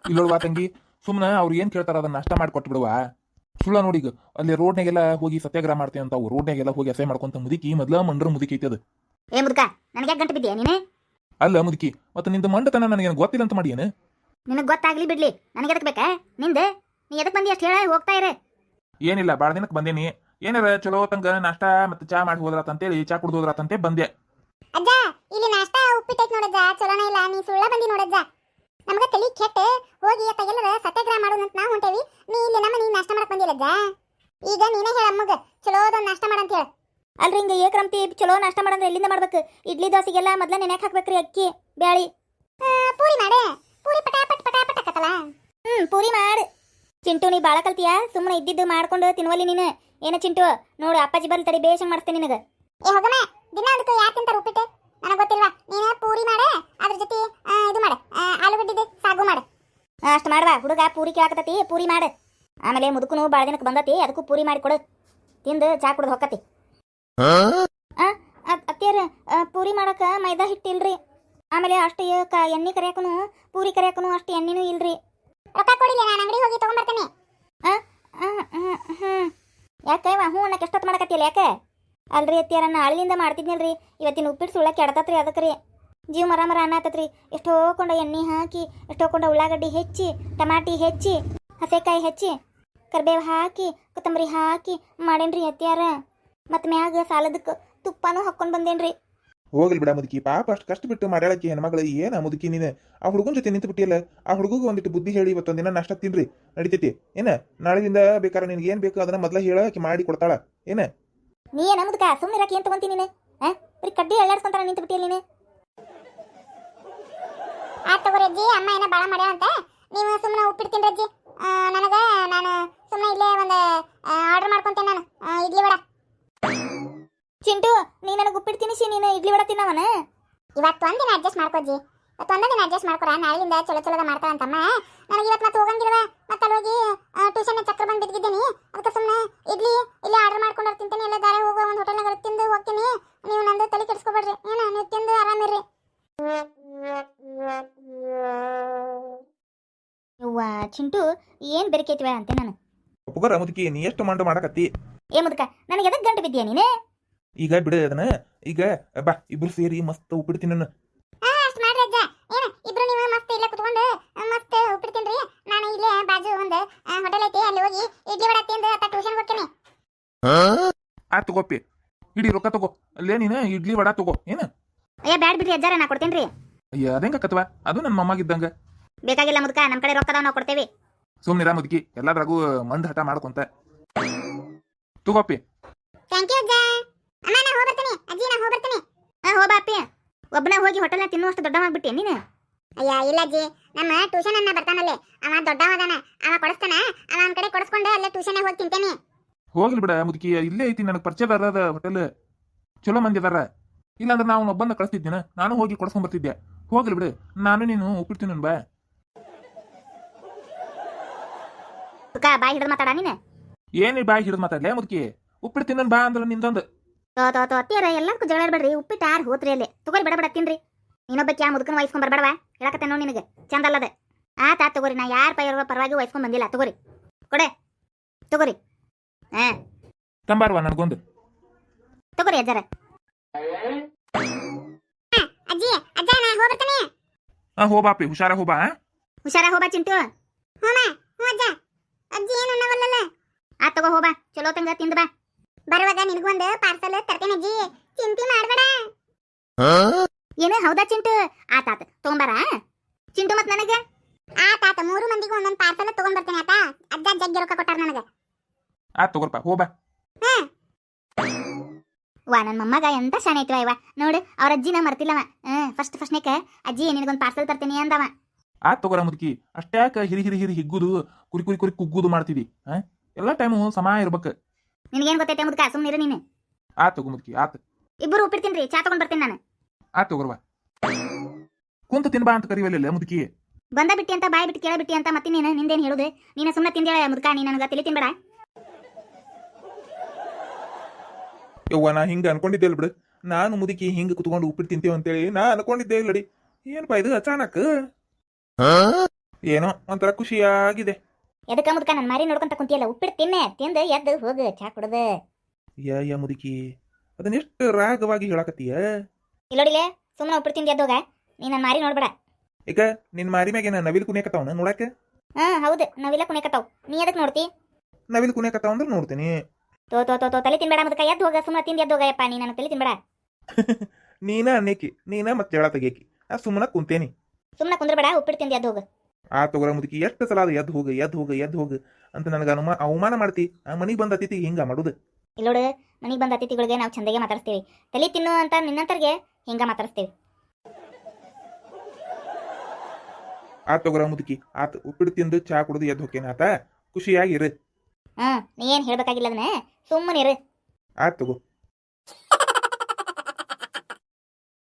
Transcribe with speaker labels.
Speaker 1: ಇಲ್ಲೋಳ್ವಾ ತಂಗಿ, ಸುಮ್ಮನೆ ಅವ್ರು ಏನ್ ಕೇಳ್ತಾರ ಅದನ್ನ ನಾಷ್ಟ ಮಾಡಿ ಕೊಟ್ಟು ಬಿಡುವ. ಸುಳ್ಳ ನೋಡಿಗ ಅಲ್ಲಿ ರೋಡ್ನಾಗೆಲ್ಲ ಹೋಗಿ ಸತ್ಯಾಗ್ರಹ ಮಾಡ್ತೇವೆ ಅಂತ ಅವು ರೋಡ್ನಾಗೆಲ್ಲ ಹೋಗಿ ಅಸಹ್ಯ ಮಾಡ್ಕೊಂತ ಮುದುಕಿ ಮೊದ್ಲ ಮಂಡ್ರ ಮುದುಕಿ ಐತಿ ಅದು.
Speaker 2: ಏ ಮುದುಕ, ನನಗೆ ಯಾಕೆ ಗಂಟು ಬಿದ್ದೀಯ ನೀನು?
Speaker 1: ಅಲ್ಲ ಮುದುಕಿ, ಮತ್ತೆ ನಿಂದ ಮಂಡತನ ನನಗೇನು ಗೊತ್ತಿಲ್ಲ ಅಂತ ಮಾಡಿ ಏನು?
Speaker 2: ನಿನಗೆ ಗೊತ್ತಾಗ್ಲಿ ಬಿಡ್ಲಿ, ನನಗೆ ಎದಕ್ ಬೇಕಾ ನಿಂದೆ? ನೀ ಎದಕ್ ಬಂದಿ ಅಷ್ಟು ಹೇಳ ಹೋಗ್ತಾ ಇರೇ.
Speaker 1: ಏನಿಲ್ಲ, ಭಾಳ ದಿನಕ್ಕೆ ಬಂದೇನಿ. ಏನಾರ ಚಲೋ ತಂಗ ನಾಷ್ಟ ಮತ್ತೆ ಚಾ ಮಾಡಿ ಹೋದ್ರಾತಂತೇಳಿ ಚಾ ಕುಡ್ದು ಹೋದ್ರಾತಂತೆ ಬಂದೆ.
Speaker 3: ಅಜ್ಜ, ಇಲ್ಲಿ ನಾಷ್ಟಾ ಉಪ್ಪಿಟ್ಟೈತ್ ನೋಡಜ್ಜ, ಚಲೋನ ಇಲ್ಲ. ನೀ ಸುಳ್ಳ ಬಂದಿ ನೋಡಜ್ಜ. ನಮಗ ತಲಿ ಕೆಟ್ಟ ಹೋಗಿ ಅತ್ತಾಗೆಲ್ಲರ ಸತ್ಯಾಗ್ರಹ ಮಾಡೋಣಂತ ನಾವು ಹೊಂಟೇವಿ. ನೀ ಇಲ್ಲಿ ನೀ ನಾಷ್ಟ ಮಾಡಕ್ ಬಂದಿಲ್ಲಜ್ಜ. ಈಗ ನೀನೇ ಹೇಳ ಅಮ್ಮಗ ಚಲೋದೊಂದು ನಾಷ್ಟ ಮಾಡಂತ ಹೇಳ.
Speaker 2: ಅಲ್ರಿ ಹಿಂಗೆ ಏಕ್ರಮ್ತಿ ಚಲೋ ನಾಷ್ಟ ಮಾಡಂದ್ರೆ ಎಲ್ಲಿಂದ ಮಾಡ್ಬೇಕು? ಇಡ್ಲಿ ದೋಸೆಗೆಲ್ಲ ಮೊದ್ಲ ನೆನೆಕ್ ಹಾಕ್ಬೇಕ್ರಿ ಅಕ್ಕಿ ಬ್ಯಾಳಿ.
Speaker 3: ಪೂರಿ ಮಾಡೆ, ಪೂರಿ ಪಟಾಪಟ್ ಪಟಾಪಟ್ ಆಕತ್ತಲ್ಲ.
Speaker 2: ಪೂರಿ ಮಾಡು. ಚಿಂಟು, ನೀ ಬಾಳ ಕಲ್ತಿಯಾ? ಸುಮ್ಮನೆ ಇದ್ದಿದ್ದು ಮಾಡ್ಕೊಂಡು ತಿನ್ವಲ್ಲಿ ನೀನು. ಏನ ಚಿಂಟು, ನೋಡು ಅಪ್ಪಾಜಿ ಬರ್ಲಿ ತಡಿ, ಬೇಷಂಗ್ ಮಾಡ್ತೇನೆ ನಿನಗೆ.
Speaker 3: ಏ ಹೋಗಮ್ಮ, ದಿನ ಅದಕ್ಕೆ ಯಾರು ತಿಂತಾರ ಉಪ್ಪಿಟ್ಟು? ನನಗೆ ಗೊತ್ತಿಲ್ವಾ? ನೀನು ಪೂರಿ ಮಾಡೆ, ಅದ್ರ ಜೊತೆ ಇದು ಮಾಡೆ, ಆಲೂಗಡ್ಡಿದು ಸಾಗು ಮಾಡೆ.
Speaker 2: ಅಷ್ಟು ಮಾಡುವ ಹುಡುಗ, ಪೂರಿ ಕೇಳಾಕತ್ತತಿ, ಪೂರಿ ಮಾಡು. ಆಮೇಲೆ ಮುದುಕನು ಭಾಳ ದಿನಕ್ಕೆ ಬಂದತಿ, ಅದಕ್ಕೂ ಪೂರಿ ಮಾಡಿ ಕೊಡು. ತಿಂದು ಚಾ ಕುಡ್ದು ಹೊಕ್ಕತಿ. ಅತ್ತಿಯರ, ಪೂರಿ ಮಾಡಕ ಮೈದಾ ಹಿಟ್ಟಿಲ್ರಿ. ಆಮೇಲೆ ಅಷ್ಟು ಎಣ್ಣೆ ಕರಿಯಾಕನು, ಪೂರಿ ಕರಿಯಾಕನು ಅಷ್ಟು ಎಣ್ಣೆನೂ ಇಲ್ರಿ.
Speaker 3: ರೊಕ್ಕ ಕೊಡಿಲ್ಲ, ನಾನು ಅಂಗಡಿ ಹೋಗಿ ತಗೊಂಡ್ಬರ್ತೇನೆ.
Speaker 2: ಯಾಕೆ ಹ್ಞೂ ಅನ್ನಕ್ಕೆ ಎಷ್ಟೊತ್ತು ಮಾಡಕತ್ತಿಲ್ಲ? ಯಾಕೆ ಅಲ್ರಿ ಅತ್ತಿಯರ, ನಾಳಿನಿಂದ ಮಾಡ್ತಿದ್ನಲ್ರಿ, ಇವತ್ತಿನ ಉಪ್ಪಿಟ್ಟು ಸುಳ್ಳ ಕೆಡತತ್ರಿ. ಅದಕ್ಕೆ ರೀ ಜೀವ ಮರ ಮರ ಅನ್ನತ್ತತ್ರಿ. ಎಷ್ಟೋ ಕೊಂಡ ಎಣ್ಣೆ ಹಾಕಿ, ಎಷ್ಟೋ ಕೊಂಡ ಉಳ್ಳಾಗಡ್ಡಿ ಹೆಚ್ಚಿ, ಟಮಾಟಿ ಹೆಚ್ಚಿ, ಹಸೆಕಾಯಿ ಹೆಚ್ಚಿ, ಕರ್ಬೇವು ಹಾಕಿ, ಕೊತ್ತಂಬರಿ ಹಾಕಿ ಮಾಡೇನ್ರಿ ಅತ್ತಿಯಾರ. ಮತ್ತು ಮ್ಯಾಗ ಸಾಲದಕ್ಕೆ ತುಪ್ಪನೂ ಹಾಕ್ಕೊಂಡು ಬಂದೇನ್ರಿ.
Speaker 1: ಹೋಗ್ಲಿ ಬಿಡ ಮುದುಕಿ, ಪಾಪ ಅಷ್ಟು ಕಷ್ಟ ಬಿಟ್ಟು ಮಾಡ್ಯಾಳಕಿ ಹೆಣ್ಮಗಳು. ಏನ ಮುದುಕಿ ನೀನು ಆ ಹುಡುಗನ ಜೊತೆ ನಿಂತು ಬಿಟ್ಟಿಯಲ್ಲ. ಆ ಹುಡುಗಗೆ ಒಂದಿಟ್ಟು ಬುದ್ಧಿ ಹೇಳಿ ಇವತ್ತೊಂದಿನ ನಾಷ್ಟ ತಿನ್ರಿ, ನಡಿತೈತಿ ಏನ? ನಾಳೆಯಿಂದ ಬೇಕಾದ್ರೆ ನಿನ್ಗೆ ಏನ್ ಬೇಕು ಅದನ್ನ ಮೊದ್ಲ ಹೇಳಕ್ಕೆ ಮಾಡಿ ಕೊಡ್ತಾಳ ಏನ?
Speaker 2: ನೀ ಏನ ಮುದುಕ, ಸುಮ್ಮನೆ ಇರಾಕಿ ಏನ್ ತಗೊಂತೀನಿ ನೀನು? ಬರೀ ಕಡ್ಡಿ ಎಳ್ಳಾಡ್ಸ್ಕೊಂತಾರ ನಿಂತು ಬಿಟ್ಟಿಯಲ್ಲ ನೀನು.
Speaker 3: ಆಯ್ತು ತಗೋರಿ ಅಜ್ಜಿ, ಅಮ್ಮ ಏನೋ ಭಾಳ ಮಾಡ್ಯಾಳ ಅಂತ ನೀವು ಸುಮ್ಮನೆ ಉಪ್ಪಿಟ್ಟು ತಿನ್ರಿ ಅಜ್ಜಿ. ನಾನು ಸುಮ್ಮನೆ ಇಲ್ಲೇ ಒಂದು ಆರ್ಡರ್ ಮಾಡ್ಕೊಂತೇನೆ ನಾನು, ಇಡ್ಲಿ ವಡ.
Speaker 2: ಚಿಂಟು, ನೀ ನನಗೆ ಉಪ್ಪಿಟ್ಟು ತಿನ್ನಿಸಿ, ನೀನು ಇಡ್ಲಿ ವಡ ತಿನ್ನವನ.
Speaker 3: ಇವತ್ತು ಒಂದಿನ ಅಡ್ಜಸ್ಟ್ ಮಾಡ್ಕೋಜ್ಜಿ, ಇವತ್ತು ಒಂದಿನ ಅಡ್ಜಸ್ಟ್ ಮಾಡ್ಕೊರ. ನಾಳೆಯಿಂದ ಚಲೋ ಚಲೋದ ಮಾಡ್ತಾಳಂತಮ್ಮ. ನನಗೆ ಇವತ್ತು ಮತ್ತೆ ಹೋಗಂಗಿಲ್ವ, ಮತ್ತೆ ಅಲ್ಲಿ ಹೋಗಿ ಟ್ಯೂಷನ್ ಚಕ್ರ ಬಂದು ಬಿದ್ದಿದ್ದೀನಿ. ಅದಕ್ಕೆ ಸುಮ್ಮನೆ ಇಡ್ಲಿ ಇಲ್ಲೇ ಆರ್ಡರ್ ಮಾಡ್ಕೊಂಡು ತಿಂತೀನಿ. ಎಲ್ಲ ದಾರಿ ಹೋಗುವ ಒಂದು ಹೋಟೆಲ್ನಾಗ ತಿಂದು ಹೋಗ್ತೀನಿ. ನೀವು ನಂದು ತಲೆ ಕೆಡಿಸ್ಕೊಬೇಡ್ರಿ ಏನು, ನೀವು ತಿಂದು ಆರಾಮಿರ್ರಿ.
Speaker 2: ಯವ್ವ ಚಿಂಟು, ಏನು ಬೆರಕೈತಿವ ಅಂತೆ ನಾನು.
Speaker 1: ಒಪ್ಪುಗರ ಮುದುಕಿ, ನೀ ಎಷ್ಟು ಮಾಡಕತ್ತಿ?
Speaker 2: ಏ ಮುದುಕ, ನನಗೆ ಎದಕ್ಕೆ ಗಂಟು ಬಿದ್ದೀಯ ನೀನು?
Speaker 1: ಈಗ ಬಿಡ ಅದನ್ನ. ಈಗ ಬಾ, ಇಬ್ರು ಸೇರಿ ಮಸ್ತ್ ಉಪ್ಪಿಟ್ಟು ತಿನ್ನೋಣ.
Speaker 3: ಅಷ್ಟು ಮಾಡ್ರಿ ಅಜ್ಜ. ಏನು ಇಬ್ರು ನೀವು ಮಸ್ತ್ ಇಲ್ಲೇ ಕುತ್ಕೊಂಡು ಮಸ್ತ್ ಉಪ್ಪಿಟ್ಟು ತಿನ್ರಿ. ನಾನು ಇಲ್ಲೇ ಬಾಜು ಒಂದು ಹೋಟೆಲ್ ಐತಿ, ಅಲ್ಲಿ ಹೋಗಿ ಇಡ್ಲಿ ವಡ ತಿಂದು ಅತ್ತ ಟ್ಯೂಷನ್ ಹೋಗ್ತೀನಿ.
Speaker 1: ಆತ್ ತಗೋಪಿ, ಇಡೀ ರೊಕ್ಕ ತಗೋ. ಅಲ್ಲೇ ನೀನು ಇಡ್ಲಿ ವಡ ತಗೋ ಏನು?
Speaker 2: ಅಯ್ಯ ಬ್ಯಾಡ್ ಬಿಡ್ರಿ ಅಜ್ಜಾರ, ನಾ ಕೊಡ್ತೇನೆ ರೀ.
Speaker 1: ಅಯ್ಯ ಅದೇಂಗಕ್ಕತ್ವ, ಅದು ನನ್ನ ಮೊಮ್ಮಗಿದ್ದಂಗ.
Speaker 2: ಬೇಕಾಗಿಲ್ಲ ಮುದುಕ, ನಮ್ಮ ಕಡೆ ರೊಕ್ಕದ ನಾವು ಕೊಡ್ತೇವೆ.
Speaker 1: ಸುಮ್ನಿರ ಮುದುಕಿ, ಎಲ್ಲದ್ರಾಗೂ ಮಂಡ್ ಹಠ ಮಾಡ್ಕೊಂತ ತಗೋಪಿ.
Speaker 3: ಥ್ಯಾಂಕ್ ಯು ಅಜ್ಜ. ಅಮ್ಮ ನಾ ಹೋಗ್ಬರ್ತೀನಿ ಅಜ್ಜಿ, ನಾ ಹೋಗ್ಬರ್ತೀನಿ.
Speaker 2: ಹೋಬಾ ಅಪ್ಪಿ, ಒಬ್ಬನ ಹೋಗಿ ಹೋಟೆಲ್ನ ತಿನ್ನುವಷ್ಟು ದೊಡ್ಡವಾಗ್ಬಿಟ್ಟೆ ನೀನು.
Speaker 3: ಅಯ್ಯ ಇಲ್ಲ ಅಜ್ಜಿ, ನಮ್ಮ ಟ್ಯೂಷನ್ ಅನ್ನ ಬರ್ತಾನಲ್ಲೇ, ಅವ ದೊಡ್ಡವದಾನ, ಅವ ಕೊಡಿಸ್ತಾನ. ಅವ ಒಂದ್ ಕಡೆ ಕೊಡಿಸ್ಕೊಂಡು ಅಲ್ಲೇ ಟ್ಯೂಷನ್ ಹೋಗಿ ತಿಂತೇನೆ.
Speaker 1: ಹೋಗ್ಲಿ ಬಿಡ ಮುದುಕಿ, ಇಲ್ಲೇ ಐತಿ ನನಗೆ ಪರಿಚಯದಾರದ ಹೋಟೆಲ್, ಚಲೋ ಮಂದಿ ಅದಾರ. ಇಲ್ಲಾಂದ್ರೆ ನಾವು ಒಬ್ಬಂದ ಕಳಿಸ್ತಿದ್ದೇನೆ, ನಾನು ಹೋಗಿ ಕೊಡ್ಸ್ಕೊಂಡ್ ಬರ್ತಿದ್ದೆ. ಹೋಗ್ಲಿ ಬಿಡು, ನಾನು ನೀನು ಉಪ್ಪಿಡ್ತೀನಿ ಬಾ.
Speaker 2: ಬಾಯಿ ಹಿಡಿದು ಮಾತಾಡ ನೀನು.
Speaker 1: ಏನಿ ಬಾಯಿ ಹಿಡಿದು ಮಾತಾಡ್ಲೇ ಮುದುಕಿ? ಉಪ್ಪಿಡ್ತೀನಿ ಬಾ ಅಂದ್ರೆ ನಿಂದೊಂದು.
Speaker 2: ತೋ ಅತ್ತಿಯರ, ಎಲ್ಲಕ್ಕೂ ಜಗಳ ಇಡ್ಬೇಡ್ರಿ. ಉಪ್ಪಿಟ್ಟು ಆರು ಹೋತ್ರಿ ಅಲ್ಲಿ ತಗೋರಿ, ಬಡ ತಿನ್ರಿ. ನೀನೊಬ್ಬಕ್ಕೆ ಯಾ ಮುದುಕನ ವಹಿಸ್ಕೊಂಡ್ ಬರ್ಬೇಡವಾ, ಹೇಳಕತ್ತೆ ನೋಡಿ ನಿನಗೆ ಚಂದ ಅಲ್ಲದ. ಆತ ತಗೋರಿ, ನಾ ಯಾರ ಪರವಾಗಿ ವಹಿಸ್ಕೊಂಡ್ ಬಂದಿಲ್ಲ. ತಗೋರಿ ಕೊಡೆ, ತಗೋರಿ.
Speaker 1: ತಂಬಾರ್ವಾ ನನಗೊಂದು.
Speaker 2: ತಗೋರಿ ಅಜ್ಜಾರ.
Speaker 3: ಅಜ್ಜಿ ಅಜ್ಜ, ನಾ ಹೋಗ್ಬರ್ತೀನಿ.
Speaker 1: ಹೋಬಾಪಿ, ಹುಷಾರ ಹೋಬಾ.
Speaker 2: ಹುಷಾರ ಹೋಬಾ ಚಿಂಟು.
Speaker 3: ಹೋಮ ಹ್ಞೂ ಅಜ್ಜ. ಅಜ್ಜಿ ಏನು ಅನ್ನವಲ್ಲಲ್ಲ.
Speaker 2: ತಗೋ ಹೋಬಾ, ಚಲೋ ತಂಗ ತಿಂದ ಬಾ.
Speaker 3: ಬರುವಾಗ ನಿನಗೊಂದು ಪಾರ್ಸಲ್ ತರ್ತೇನೆ ಅಜ್ಜಿ, ಚಿಂತೆ ಮಾಡಬೇಡ.
Speaker 2: ಏನು ಹೌದಾ ಚಿಂಟು? ಆತ ತಗೊಂಬಾರ ಚಿಂಟು. ಮತ್ ನನಗೆ
Speaker 3: ಆತ 3 ಮಂದಿಗೂ ಒಂದೊಂದು ಪಾರ್ಸಲ್ ತಗೊಂಡ್ ಬರ್ತೇನೆ. ಆತ ಅಜ್ಜ ಜಗ್ಗಿ ರೊಕ್ಕ ಕೊಟ್ಟಾರ ನನಗೆ.
Speaker 1: ಆತ್ ತಗೋರ್ಪ, ಹೋಬಾ.
Speaker 2: ವಾ, ನನ್ನ ಮೊಮ್ಮಗ ಎಂತ ಶಾನೆ ಐತಿವ ಇವ. ನೋಡು, ಅವ್ರ ಅಜ್ಜಿನ ಮರ್ತಿಲ್ಲವ. ಫಸ್ಟ್ನೇಕ ಅಜ್ಜಿ ನಿನಗೊಂದು ಪಾರ್ಸಲ್ ತರ್ತೀನಿ ಅಂದವ.
Speaker 1: ಆತ್ ತಗೋರ ಮುದುಕಿ, ಅಷ್ಟ್ಯಾಕ ಹಿರಿ ಹಿಗ್ಗುದು, ಕುರಿ ಕುಗ್ಗುದು ಮಾಡ್ತಿದಿ? ಎಲ್ಲ ಟೈಮು ಸಮ ಇರ್ಬೇಕು.
Speaker 2: ನಿನಗೇನು ಗೊತ್ತೈತೆ ಮುದುಕ, ಸುಮ್ಮನಿರು ನೀನು.
Speaker 1: ಆತ್ ತಗೋ ಮುದುಕಿ, ಆತ್.
Speaker 2: ಇಬ್ಬರು ಉಪ್ಪಿಡ್ತೀನಿ, ಚಾ ತಗೊಂಡ್ ಬರ್ತೀನಿ ನಾನು.
Speaker 1: ಆತ್ ತಗೋರ್ವಾ. ಕುಂತ ತಿನ್ಬಾ ಅಂತ ಕರಿವಲ್ಲ ಮುದುಕಿ.
Speaker 2: ಬಂದ ಬಿಟ್ಟಿ ಅಂತ ಬಾಯಿ ಬಿಟ್ಟು ಕೇಳ ಬಿಟ್ಟಿ ಅಂತ ಮತ್ತೆ ನೀನು ನಿಂದೇನು ಹೇಳುದು? ನೀನು ಸುಮ್ಮನೆ ತಿಂದೇಳ ಮುದುಕ, ನೀ ನನಗೆ ತಲೆ ತಿನ್ಬೇಡ.
Speaker 1: ಯವ್ವ, ನಾ ಹಿಂಗ ಅನ್ಕೊಂಡಿದ್ದೆ ಬಿಡು. ನಾನು ಮುದುಕಿ ಹಿಂಗ ಕುತ್ಕೊಂಡು ಉಪ್ಪಿಟ್ಟು ತಿಂತೇವೆ ಅಂತೇಳಿ ನಾ ಅನ್ಕೊಂಡಿದ್ದೆ ಇಲ್ಲಡಿ. ಏನಪ್ಪಾ ಇದು ಅಚಾನಕ್? ಏನೋ ಒಂಥರ ಖುಷಿಯಾಗಿದೆ.
Speaker 2: ಎದಕ್ಕ ಮುದ್ಕ ನನ್ನ ಮಾರಿ ನೋಡ್ಕೊಂತ ಕುಂತಿಯಲ್ಲ ಉಪ್ಪಿಟ್ಟು ತಿನ್ನೆ ತಿಂದು ಎದ್ದು ಹೋಗು ಚಾ ಕುಡ್ದು.
Speaker 1: ಯಾ ಮುದುಕಿ ಅದನ್ನ ಎಷ್ಟು ರಾಗವಾಗಿ ಹೇಳಕತ್ತೀಯ.
Speaker 2: ಇಲ್ಲೋಡಿಲೆ ಸುಮ್ಮನೆ ಉಪ್ಪಿಟ್ಟು ತಿಂದು ಎದ್ದೋಗ. ನೀ ನನ್ನ ಮಾರಿ ನೋಡ್ಬೇಡ.
Speaker 1: ಈಗ ನಿನ್ ಮಾರಿ ಮ್ಯಾಗೇನ ನವಿಲ್ ಕುಣಿಯಕತ್ತಾವನ ನೋಡಾಕ?
Speaker 2: ಹೌದು ನಾವಿಲ್ಲ ಕುಣಿಯಕತ್ತಾವ್. ನೀ ಎದಕ್ ನೋಡ್ತಿ?
Speaker 1: ನವಿಲ್ ಕುಣಿಯಕತ್ತಾವ ಅಂದ್ರೆ ನೋಡ್ತೀನಿ.
Speaker 2: ತೋ ತಲೆ ತಿನ್ಬೇಡ ಮುದ್ಕ ಎದ್ದು ಹೋಗ. ಸುಮ್ಮನೆ ತಿಂದು ಎದ್ದೋಗಯಪ್ಪ. ನೀ ನನ್ನ ತಲೆ ತಿನ್ಬೇಡ.
Speaker 1: ನೀನ ಅನ್ನೇಕಿ ನೀನ ಮತ್ತೆ ಜಗಳ ತೆಗಿಯಕಿ. ಸುಮ್ಮನ ಕುಂತೇನಿ.
Speaker 2: ಸುಮ್ಮನೆ ಕುಂದ್ರಬೇಡ. ಉಪ್ಪಿಟ್ಟು ತಿಂದು ಎದ್ದು ಹೋಗು.
Speaker 1: ಆ ತಗೋರ ಮುದುಕಿ ಎಷ್ಟು ಸಲ ಅದು ಎದ್ದು ಹೋಗು ಅಂತ ನನಗೆ ಅವಮಾನ ಮಾಡ್ತಿ. ಆ ಮನಿಗೆ ಬಂದ ಅತಿಥಿಗೆ ಹಿಂಗ ಮಾಡುದು.
Speaker 2: ಇಲ್ಲೋಡು ಮನೆಗೆ ಬಂದ ಅತಿಥಿಗಳಿಗೆ ನಾವು ಚಂದಾಗೆ ಮಾತಾಡ್ಸ್ತೀವಿ. ತಲೆ ತಿನ್ನು ಅಂತ ನಿನ್ನಂತರ್ಗೆ ಹಿಂಗ ಮಾತಾಡಿಸ್ತೀವಿ.
Speaker 1: ಆ ತಗೋರ ಮುದುಕಿ ಆತ ಉಪ್ಪಿಟ್ಟು ತಿಂದು ಚಾ ಕುಡಿದು ಎದ್ದು ಹೋಕೇನ ಆತ ಖುಷಿಯಾಗಿರು.
Speaker 2: ನೀ ಏನು ಹೇಳ್ಬೇಕಾಗಿಲ್ಲ ಅದನ್ನ. ಸುಮ್ಮನಿರು.
Speaker 1: ಆತ್ ತಗೋ.